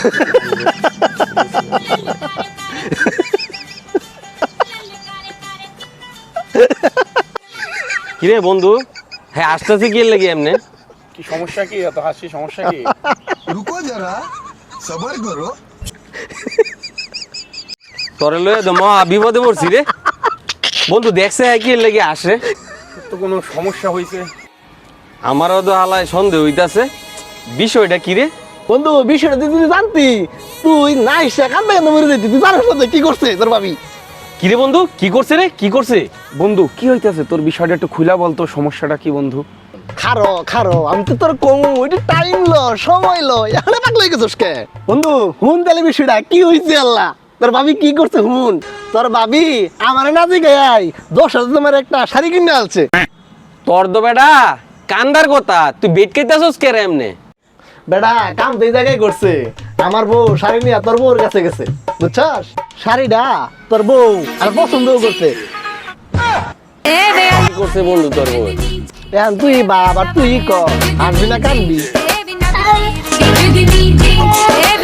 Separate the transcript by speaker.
Speaker 1: কিরে বন্ধু, হ্যাঁ আসতেছি কি লাগে এমনি?
Speaker 2: কি সমস্যা, কি এত হাসি, সমস্যা কি?
Speaker 3: रुको जरा सबर करो
Speaker 1: তোরে লয়ে তো মহা বিপদে পড়ছি রে বন্ধু। দেখছে হ্যাঁ কি লাগে আসে?
Speaker 2: তো কোনো সমস্যা হয়েছে?
Speaker 1: আমারও তো হালায় সন্দেহ হইতাছে। বিষয়টা কি রে
Speaker 4: বন্ধু? বিষয়টা তুই জানতি? তুই না এসে কান্দা কান্দা মরে যেতি। তুই জানিস না কি করছে তোর ভাবি?
Speaker 1: কি রে বন্ধু, কি করছে রে, কি করছে?
Speaker 2: বন্ধু কি হইতাছে তোর? বিষয়টা একটু খুলা বলতো, সমস্যাটা কি বন্ধু?
Speaker 4: খারো খারো, আমি তো তোর কম ওইটা টাইম লো, সময় লো, এখানে পাগল হয়ে গেছিস কে? বন্ধু হুন তাহলে বিষয়টা কি হয়েছে আল্লাহ? তোর ভাবি কি করছে হুন। তোর ভাবি আমার না দিকে 10,000 তোমার একটা শাড়ি কিনে আলছে।
Speaker 1: তোর তো বেটা কান্দার কথা, তুই বেট খাইতাছস কে রে এমনে?
Speaker 4: বেটা কাম তো এই জায়গায় করছে। আমার বউ শাড়ি নিয়ে তোর বউর কাছে গেছে, বুঝছস? শাড়িটা তোর বউ আর পছন্দও করছে।
Speaker 1: কি করছে বন্ধু তোর বউ?
Speaker 4: এখন তুই বাবা তুই ক, আসবি না কানবি?
Speaker 5: Baby,